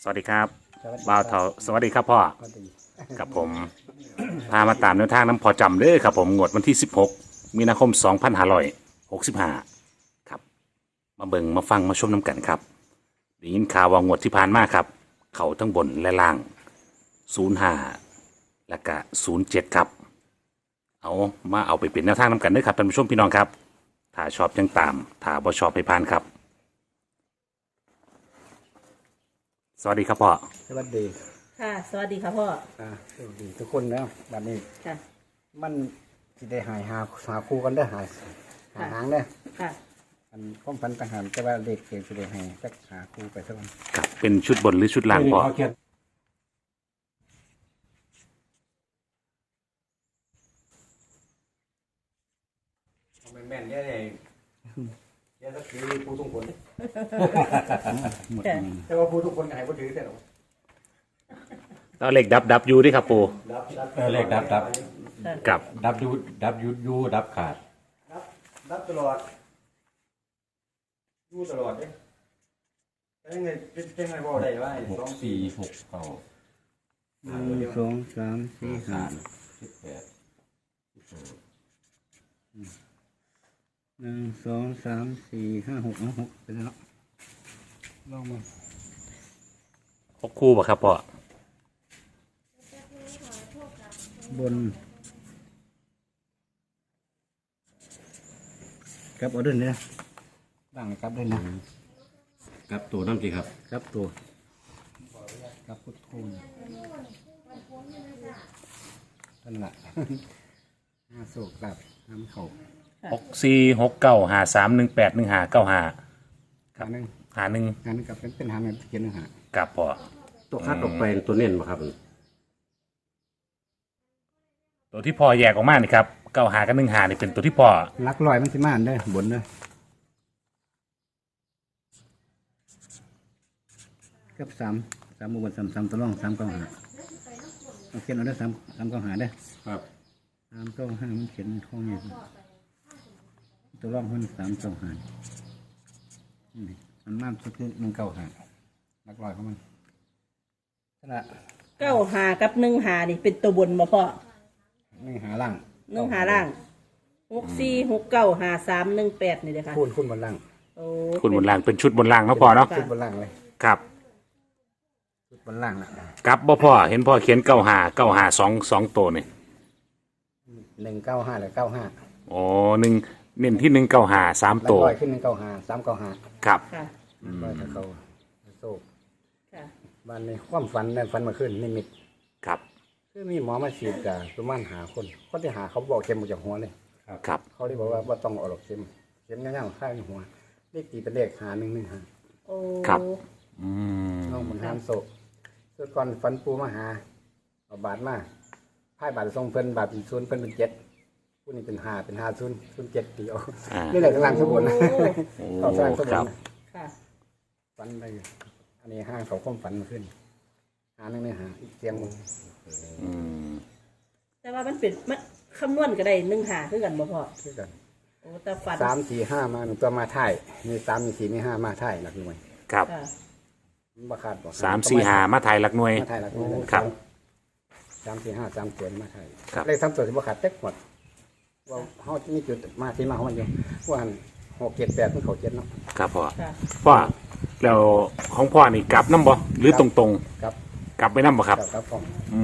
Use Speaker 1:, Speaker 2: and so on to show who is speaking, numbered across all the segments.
Speaker 1: วัสดีครับ
Speaker 2: สวัสดี
Speaker 1: บ่าว
Speaker 2: ค
Speaker 1: เถา
Speaker 2: รับ
Speaker 1: สวัสดีครับพ่อ
Speaker 2: สวัสดี
Speaker 1: กับผม พามาตามแนวทางน้ำพอจำเด้อครับผมงวดวันที่ 16 มีนาคม 2565 ครับ มาเบิ่งมาฟังมาชมน้ำกันครับได้ยินข่าวว่างวดที่ผ่านมาครับ เขาทั้งบนและล่าง 05 และก็07 ครับ เอาไปเป็นแนวทางน้ำกันเด้อครับท่านผู้ชมพี่น้องครับ ถ้าชอบยังตาม ถ้าบ่ชอบให้ผ่านครับ สวัสดีครับพ่อ
Speaker 2: สวัสดี
Speaker 3: ค่ะ สวัสดีค่ะพ่อ
Speaker 2: สวัสดีทุกคนนะบัดนี้
Speaker 3: ค่ะ
Speaker 2: มันสิได้หาคู่กันได้อหาหางได้อ
Speaker 3: ค่ะ
Speaker 2: อันความฝันต่างหากแต่ว่าเด็กเก่งสิได้ให้สักหาคู่ไปสักวัน
Speaker 1: ครับเป็นชุดบนหรือชุดล่างพ่อ
Speaker 4: แม่นๆเนี่ยเนี่ยก็คือผู้ทุกคน
Speaker 2: หมด
Speaker 3: ค่ะ
Speaker 4: แต่ว่าผู้ทุกคนหายผู้ถือแต่เรา
Speaker 1: แล้วเหล็กดับยูดิครับปู
Speaker 4: เลขดับ
Speaker 1: กับ
Speaker 4: ดับยูดับขาดดับตลอดยูตลอดเนี่ยเป็นไงเป็นไงบอกได้ว่า2 4 6 9
Speaker 2: 1 2 3 4
Speaker 4: 3
Speaker 2: 5 1 2 3 4 5 6 6เป็นแล้วลองมา
Speaker 1: 6 คู่ป่ะครับพ่อบ
Speaker 2: นกับเอาด้วยเนี่ยบ้างกับด้วยนะ
Speaker 4: กับตัวน้ำจีครับ
Speaker 2: ครับตัวครับพุทโธนนั่นแหละ ห้าโศกกับน้ำเขา
Speaker 1: 64695318159
Speaker 2: ขาหนึ่ง
Speaker 1: หาหนึ่ง
Speaker 2: หาหนึ่งกับเป็นหาหนึ่งเขียนหนึ่งหา
Speaker 1: กับพ่อ
Speaker 4: ตัวคัดออกไปตัวเน้นมาครับ
Speaker 1: ตัวที่พ่อแยกออกมานี่ครับ95กับ15นี่เป็นตัวที่พ่อ
Speaker 2: ลักลอยมันสิมาอันได้อบนเด้อกับสามบนสามตัวร่อง3 9 5เอาเขียนเอาได้3 9 5ได้อ
Speaker 4: ครับ
Speaker 2: 3 9 5มันเขียนข้องนี่ตัวร่องมัน3 9 5นี่มันมากสุดคือ1 9 5ลักลอยของมันนั่นแหละ
Speaker 3: 95กับ15นี่เป็นตัวบนมาพ่อ
Speaker 2: นี่หาล่าง
Speaker 3: 1 ล่าง64 69 53 18นี่เลยค่ะ
Speaker 2: คูณบนล่าง
Speaker 3: โอ้
Speaker 1: คุณบนล่างเป็นชุดบนล่างเนาะพ่อเนาะ
Speaker 2: ชุดบนล่างเลย
Speaker 1: ครับ
Speaker 2: ชุดบนล่างนะ
Speaker 1: กับบ่พ่อเห็นพ่อเขียน95 95 2ตัวนี่
Speaker 2: 1 9 5หรือ95
Speaker 1: อ๋อ1เน้นที่195 3ตัว
Speaker 2: ลอยขึ้น1 9 5 3 9 5
Speaker 1: ครับ
Speaker 3: ค่ะ
Speaker 2: ลอยถ้าเขาโศก
Speaker 3: ค่ะ
Speaker 2: บ้านในความฝันในฝันมาขึ้นนิมิต
Speaker 1: ครับ
Speaker 2: คือมีหมอมาฉีดกับประมาณหาคนที่หาเขาบอกเข็มออกจากหัวเลย
Speaker 1: ครับ
Speaker 2: เขาเลยบอกว่าต้องเอาหรอกเข็มย่างๆข้างหัวเลขตีเป็นเลข1
Speaker 3: โอ้
Speaker 1: ครับ อืม
Speaker 2: น้องมันหามโศกส่วนก่อนฝันปูมาหาเอาบาทมาไพ่บาททรงเพิ่นบาทเป็นศูนย์เพิ่นเป็น7ผู้นี้เป็น5เป็น5007ตีเอา
Speaker 1: อ่า
Speaker 2: นี่แหละกำลังสมบูรณ์
Speaker 1: โอ้
Speaker 2: เขาสร้างสม
Speaker 1: ค
Speaker 2: บู
Speaker 1: รั
Speaker 2: ร
Speaker 1: บ
Speaker 2: ณ์
Speaker 3: ค่ะ
Speaker 2: ฝันไปอันนี้ห้างเขาความฝันมาขึ้นหาหนึ่งเนี่ยหาอีกเสียงมึง
Speaker 1: อืม
Speaker 3: แต่ว่ามันเป็นมันคำนวณก็ได้15คือกันบ่พ่อ
Speaker 2: คือกัน
Speaker 3: โอ้แต่ฝัน
Speaker 2: 3 4 5มาหนึ่งตัวมาถ่ายมี3มี4มี5มาถ่ายหลักหน่วย
Speaker 1: ครับ
Speaker 3: ค่ะ
Speaker 2: มันบ่ขาดบ่
Speaker 1: 345มาถ่ายหลักหน่วย
Speaker 2: มาถ่ายหลักหน่วย
Speaker 1: ครับ
Speaker 2: 3 4 5 3ตัวมาถ่าย
Speaker 1: ครับ
Speaker 2: เลข3ตัวที่บ่ขาดเต็กหมดว่าเฮามีจุดมาที่มาของมันอยู่ว่าหัน6 7 8มันเข้า7เนาะ
Speaker 1: ครับพ่อ
Speaker 3: ค่ะ
Speaker 1: พ่อแล้วของพ่อนี่กลับน้ำบ่หรือตรง
Speaker 2: ครับ
Speaker 1: ๆ กลับไปน้ำบ่ครับ
Speaker 2: ครับผม
Speaker 1: อื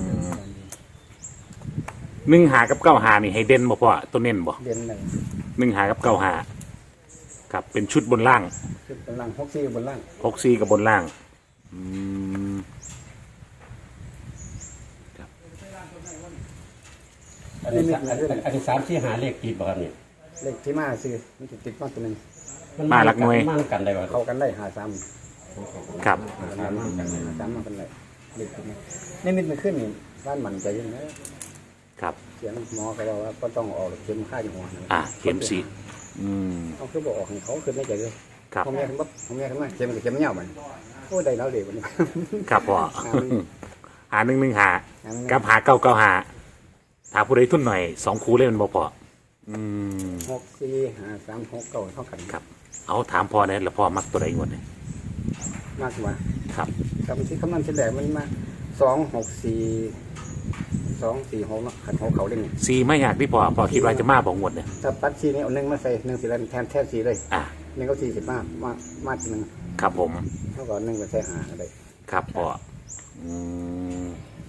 Speaker 1: ม15กับ95นี่ให้เด่นบ่พ่อตัวเน้นบ่
Speaker 2: เดือนหนึ่ง
Speaker 1: 15กับ95ครับเป็นชุดบนล่าง
Speaker 2: ขึ้นบนล่าง64บนล่าง
Speaker 1: 64กับบนล่าง อืม
Speaker 4: อันนี้3 4 5เลขติดบ่ครับนี่
Speaker 2: เลขที่มาซื้อมันสิติดมาตัวหนึง
Speaker 1: มาหลักหน่วย
Speaker 4: มากันได้บ่
Speaker 2: เข้ากันได้53
Speaker 1: ครับ
Speaker 2: 3มากันได้เลขที่นี่นี่มิตมันขึ้นนี่บ้านมันใจเย็นนะครับ เสียงหมอเขาบอกว่าก็ต้องออกเข็มค่าอยู่หัวนะ
Speaker 1: เข็มสีอืม
Speaker 2: เขาคือบอกออกให้เขาขึ้นได้ใจเลย
Speaker 1: ครับ
Speaker 2: ผมแม่ขึ้นปั๊บผมแม่ขึ้นมาเข็มกับเข็มเงามันโอ้ได้แล้วเด็กวันนี้
Speaker 1: ครับพ่อ หา115กับ5995ถ้าผู้ใดทุนหน่อย2คู่เล่นบ่พออืม
Speaker 2: 6 4 5 3 6 9เท่ากัน
Speaker 1: ครับ เอาถามพ่อเนี่ยแล้วพ่อมักตัวใดงวดเนี่ย
Speaker 2: มมากกว่า
Speaker 1: ครับ
Speaker 2: ครับที่คำนวณเฉลี่ยมันมา264 246เนาะขัน6เขาเล่น
Speaker 1: ซีไม่อยากที่พอคิดว่าจะมาบอกงวดเนี่ย
Speaker 2: ถ้าปัด4นี่เอา1มาใส่1สิแล้วแทน4เลย
Speaker 1: อ่ะ
Speaker 2: 1ก็45มาทีนึง
Speaker 1: ครับผม
Speaker 2: เท่ากับ1ไปใส่หาอะไร
Speaker 1: ครับพออืม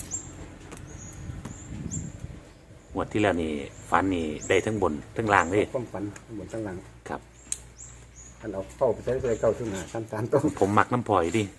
Speaker 1: งวดที่แล้วนี่ฟันนี่ได้ทั้งบนทั้งล่างเลย
Speaker 2: ความฝันบนตั้งหลัง
Speaker 1: ครับ
Speaker 2: อันเอาเข้าไปใช้เลยเก้าขึ้นหา3 ต้น
Speaker 1: ผมมักน้ำพลอยดิ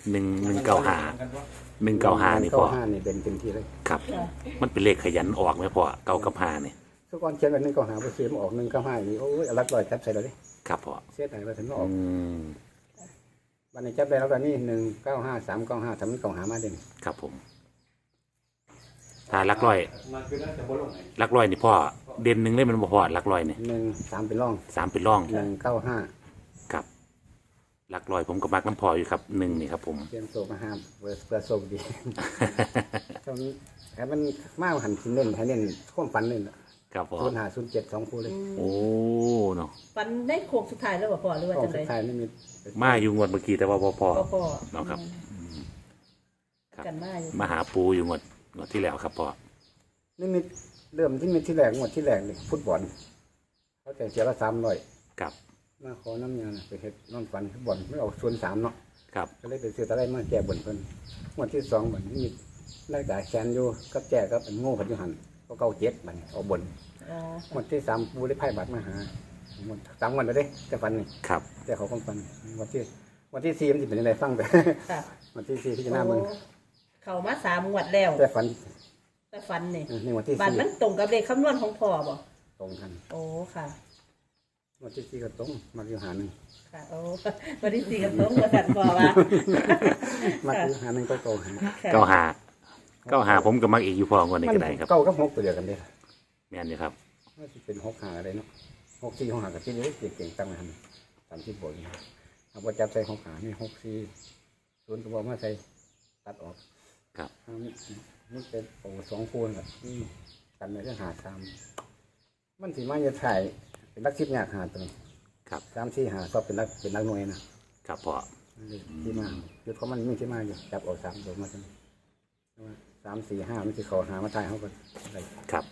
Speaker 1: 195นี่พอ
Speaker 2: 5นี่เป็นเต็มที่เลย
Speaker 1: ครับ มันเป็นเลขขยันออกไหมพอเก้ากับห้าเนี่ย
Speaker 2: ทุกคนเขียนแบบ195ไปซื้อมาออก195นี่โอ้ยรักลอยจับใส่เลย
Speaker 1: ครับพอ
Speaker 2: เสียดายไปถึงออก
Speaker 1: อืม
Speaker 2: วันนี้จับได้แล้วตอนนี้195 395ทำมันเก่าหามาเด่น
Speaker 1: ครับผมถ้าลักร้อย
Speaker 4: มันคือน่าจะบ่ลงไหน
Speaker 1: ลักร้อยนี่พ่อเด่นหนึ่งเลยมันบ่พอลักร้อยนี่
Speaker 2: 3เป็นร่อง
Speaker 1: 3เป็นร่อง
Speaker 2: 195
Speaker 1: ครับลักร้อยผมก็มักน้ำพออยู่ครับ1นี่ครับผม
Speaker 2: เตรียมโซมาห้ามเพื่อโซดีตรงนี้แค่มันมากหันสิเน้นให้เน้นข้อมฝันเน้น
Speaker 1: ครับพ่อ
Speaker 2: 05 07 2คู่เลย
Speaker 1: โอ้เนาะ
Speaker 3: ฟันได้โค้งสุดท้ายแล้วบ่พ่อหรือว่า
Speaker 2: ข้อ
Speaker 3: จัง
Speaker 2: สุ
Speaker 3: ได
Speaker 2: ดท้ายไม่มี
Speaker 1: มาอยู่งวดเมื่อกี้แต่ว่าบ่พอ
Speaker 3: บ่พ่อ
Speaker 1: เนาะครับ ครับ
Speaker 3: กันมาอยู่
Speaker 1: มาหาปูอยู่งวดที่แล้วครับพ่อ
Speaker 2: นี่มีเริ่มที่มีที่แรกหมดที่แรกเลยฟุตบอลเขาแต่เสียละ300
Speaker 1: ครับ
Speaker 2: มาขอน้ำยาไปเฮ็ดนอนฝันฟุตบอลไม่เอาส่วน3เนาะ
Speaker 1: ครับ
Speaker 2: ก็เลยไปซื้อตะไลมาแก้บนเพิ่นงวดที่2บัดนี้มีรายการแชนอยู่กับแจกับเป็นโง่กันอยู่หันก็เก้า7บัดนี้เอาบน
Speaker 3: อ๋อ
Speaker 2: งวดที่3ปูได้ไพ่บัตรมาหาหมด3วันแล้วเด้แต่ฝันนี่
Speaker 1: ครับ
Speaker 2: แต่เขาความฝันวันที่4มันสิเป็นยังไงฟังไป
Speaker 3: ค่ะ
Speaker 2: วันที่4ที่จะหน้ามึง
Speaker 3: โอ้เข้ามา3งวดแล้ว
Speaker 2: แต่ฝัน
Speaker 3: แต่ฟันนี่
Speaker 2: ในวันที่
Speaker 3: บัตรมันตรงกับเลขคำนวณของพ่อบ่
Speaker 2: ตรงกัน
Speaker 3: โอ้ค่ะ
Speaker 2: วันที่4ก็ตรงมาอยู่หาหนึ่ง
Speaker 3: ค่ะโอ้วันที่4กับตรงว่าสั่นพ่อว่า
Speaker 2: มาอยู่หาหนึ่งก็โตหา
Speaker 1: 95ผมก็มักอีกอยู่พองวดนี้ก็ได้ครับ
Speaker 2: เก้ากับ6ตัวเดียวกันเด้
Speaker 1: แม่นอยู่ครับ
Speaker 2: ว่าสิเป็น6หาอะไรเนาะ6 4 6หากับที่นี้เก่งๆตั้งมาหัน30บทเอาบ่จับใส่6หานี่6 4 0ก็บ่มาใส่ตัดออก
Speaker 1: ครับ
Speaker 2: นี่เป็นโอ้2คูณแบบกันในเรื่องหา3มันสิมาจะถ่ายเป็นลักชิบยากหาตัวนี้
Speaker 1: ครับ
Speaker 2: 3 4หาชอบเป็นลักหน่วยนะครับ
Speaker 1: พ่อ
Speaker 2: ที่มาคือเขามันมีที่มาอยู่จับเอา3ตัวมาจัง3 4 5มันสิเขาหามาถ่ายเขาก็ได้
Speaker 1: ครับ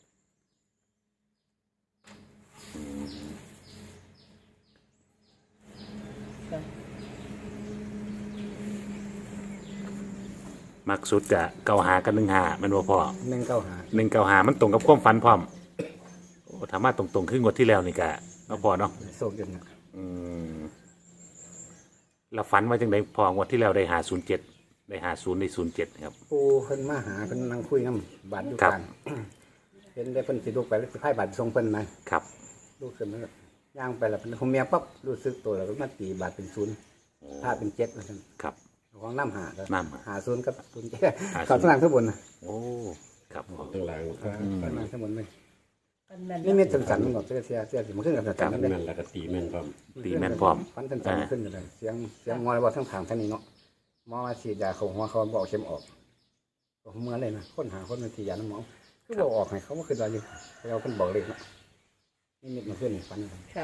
Speaker 1: มักสุดกะ95กับ15มันบ่พอ
Speaker 2: 195
Speaker 1: มันตรงกับความฝันพร้อมโอ้ถามมาตรงๆคืองวดที่แล้วนี่กะเนาะพอเนาะ
Speaker 2: โศกจนนะ
Speaker 1: อืมแล้วฝันว่าจังไดพองวดที่แล้วได้507ได้50ได้07ครับ
Speaker 2: ปูเพิ่นมาหาเพิ่นนั่งคุยน้ำบาดอยู่
Speaker 1: ครับ
Speaker 2: กลางเห็นได้เพิ่นสิลูกไปแล้วสิพายบาดส่งเพิ่นนะครับ ลูกขึ้นมาย่างไปแล้วเป็นผมเมียปั๊บรู้สึกตัวแล้วก็มาตีบาดเป็น0ถ้าเป็น7ว่าซั่น
Speaker 1: ครับ
Speaker 2: ของน้ำหาก็
Speaker 1: น้ำหา
Speaker 2: หา0กับ07เขาข้างล่างข้างบนนะ
Speaker 1: โอ้ครับพอ
Speaker 4: ข้างหลังครับ
Speaker 2: ข้างล่างข้างบนเลย
Speaker 3: ฟันแม่น
Speaker 2: นี่เม็ดสันๆมันก็เสียสิมันขึ้นกับสันๆนั่น
Speaker 4: แม่
Speaker 2: เด้
Speaker 4: นแล้วก็ตีแม่นพร้อม
Speaker 1: ตีแม่นพร้อม
Speaker 2: ฟันสันๆขึ้นกันเลยเสียงงอยบ่ทั้งทางท่านนี้เนาะหมอมาฉีดยาเขาหัวเขาบอกเข็มออกเมื่อเลยนะคนหาคนมาฉีดยาน้ำหมอคือบอกออกให้เขาบ่ขึ้นว่าอยู่เราเพิ่นบอกเลยเนาะนี่เม็ดมันขึ้นฟัน
Speaker 3: ค่ะ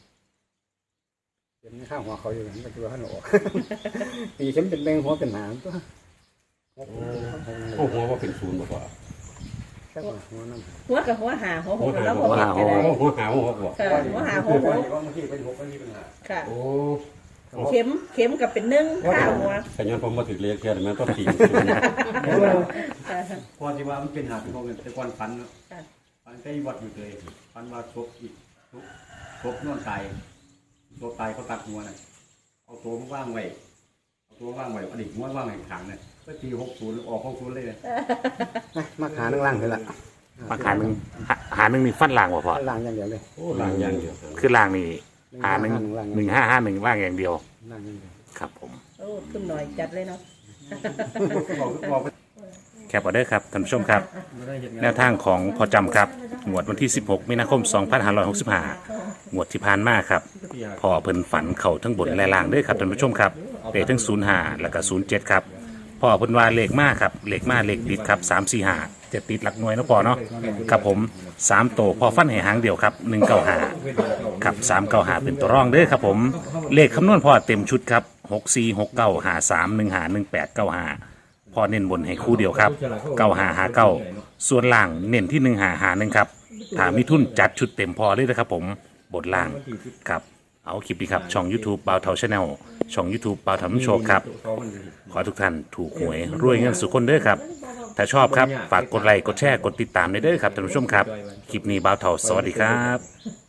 Speaker 2: เข็มข้างหัวเขาอยู่มันก็คือว่าท่านออกตีเข็มเป็นแบงหัวเป็นหางตัว
Speaker 4: โอ้หัวว่าเป็นศูนย์บ่พอ
Speaker 2: แค่ว่าหัวน้ำ
Speaker 3: หัวกับหัวหาหัวหกแล้วบ่เห็นก็ได้
Speaker 4: หัวหาวหัวบ่
Speaker 3: ค่ะหัวหาหัวหก
Speaker 2: บางทีเป็น6บางทีเป็น5
Speaker 3: ค่ะ
Speaker 4: โอ้
Speaker 3: เข็มกับเป็น1ข้าวหัว
Speaker 4: แต่ย้อนผมมาถึงเรียกแค่นั้นต้องตี
Speaker 3: ค่ะ
Speaker 2: พอที่ว่ามันเป็นหาเป็นของแต่ก่อนฟันเนาะ
Speaker 3: ค่ะ
Speaker 2: ฟันใกล้วัดอยู่เลยฟันว่าศพอีกศพนอนตายตัวตายเขาตัดหัวน่ะเอาตัวมาว่างไว้เอาตัวว่างไว้อดีตหัวว่างไว้ขางเนี่ยก็ตี60ออก60เลยมาขาหนึ่งล่างเลยล่ะ
Speaker 1: มาหาหนึ่งนี่ฟันล่างบ่พอ
Speaker 2: ล่างอย่างเดียวเลย
Speaker 4: โอ้หลังอย่างเดียว
Speaker 1: คือล่างนี่1551ล่างอย่างเดียว
Speaker 2: ล่างอย่างเดียว
Speaker 1: ครับผม
Speaker 3: โอ้ขึ้นหน่อยจัดเลยเนาะ
Speaker 2: บอก
Speaker 1: แคปเอาเด้อครับท่านผู้ชมครับ แนวทางของพอจำครับงวดวันที่ 16 มีนาคม 2565งวดที่ผ่านมาครับพอเพิ่นฝันเข่าทั้งบนและล่างเด้อครับท่านผู้ชมครับเลขทั้ง05แล้วก็07ครับพอเพิ่นว่าเลขมาครับเลขมาเลขติดครับ345จะติดหลักหน่วยเนาะพอเนาะครับผม3โตวพอฟันให้หางเดียวครับ195ครับ395เป็นตัวรองเด้อครับผมเลขคำนวณพอเต็มชุดครับ 646953151895พอเน้นบนให้คู่เดียวครับ9559ส่วนล่างเน้นที่1551ครับถ้ามีทุนจัดชุดเต็มพอเลยนะครับผมบทล่างครับเอาคลิปนี้ครับช่อง YouTube บ่าวเทาชาแนลช่อง YouTube บ่าวเทาโชคครับขอทุกท่านถูกหวยรวยเงินสุขคนเด้อครับถ้าชอบครับฝากกดไลค์กดแชร์กดติดตามได้เด้อครับท่านผู้ชมครับคลิปนี้บ่าวเทาสวัสดีครับ